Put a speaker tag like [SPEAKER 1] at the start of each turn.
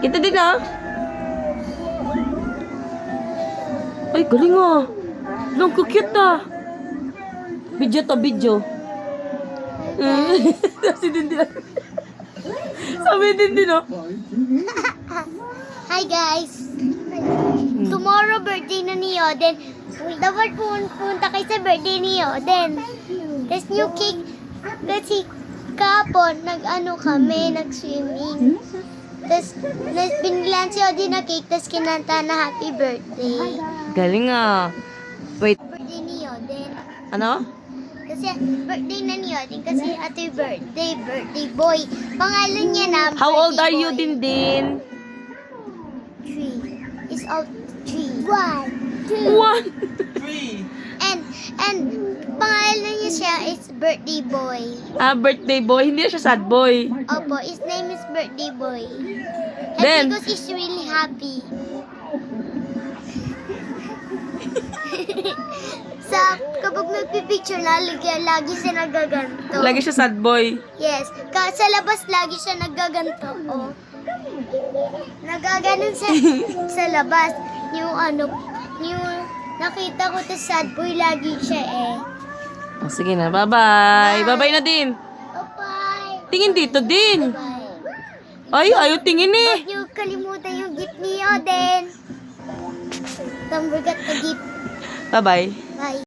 [SPEAKER 1] Kita din ah. Ay, galing ah. Long cute ah. Video to, video. Sabi din din. Sabi din din oh.
[SPEAKER 2] Hi guys! Tomorrow birthday na ni Yoden. Dapat punta kayo sa birthday ni Yoden. Tapos new cake. Kasi kapon, nag-ano kami, nag-swimming. Tapos binilan si Yoden na cake, tapos kinanta na happy birthday.
[SPEAKER 1] Galing ah. Wait,
[SPEAKER 2] Birthday ni Yoden.
[SPEAKER 1] ano?
[SPEAKER 2] Kasi birthday na ni Yoden. Kasi happy birthday, birthday boy. Pangalan niya na
[SPEAKER 1] How old
[SPEAKER 2] birthday
[SPEAKER 1] are you,
[SPEAKER 2] boy.
[SPEAKER 1] Dindin?
[SPEAKER 2] 3. It's all 3. 1, 2.
[SPEAKER 1] One.
[SPEAKER 2] And pangalan niya siya is birthday boy.
[SPEAKER 1] Ah, birthday boy. Hindi na siya sad boy.
[SPEAKER 2] Opo, his name is birthday boy. And
[SPEAKER 1] Then?
[SPEAKER 2] because he's really happy. Kapag nagpipicture na, lagi siya nagaganto.
[SPEAKER 1] Lagi siya sad boy.
[SPEAKER 2] Yes. Sa labas, lagi siya nagaganto. Oh. Nagaganon sa labas. Yung nakita ko sa sad boy, lagi siya eh.
[SPEAKER 1] Oh, sige na, bye-bye. Bye-bye na din.
[SPEAKER 2] Bye-bye.
[SPEAKER 1] Tingin dito din.
[SPEAKER 2] Bye.
[SPEAKER 1] Ay, ayaw tingin eh.
[SPEAKER 2] Huwag niyo kalimutan yung gift ni Yoden. Don't forget the gift.
[SPEAKER 1] Bye-bye.
[SPEAKER 2] Bye.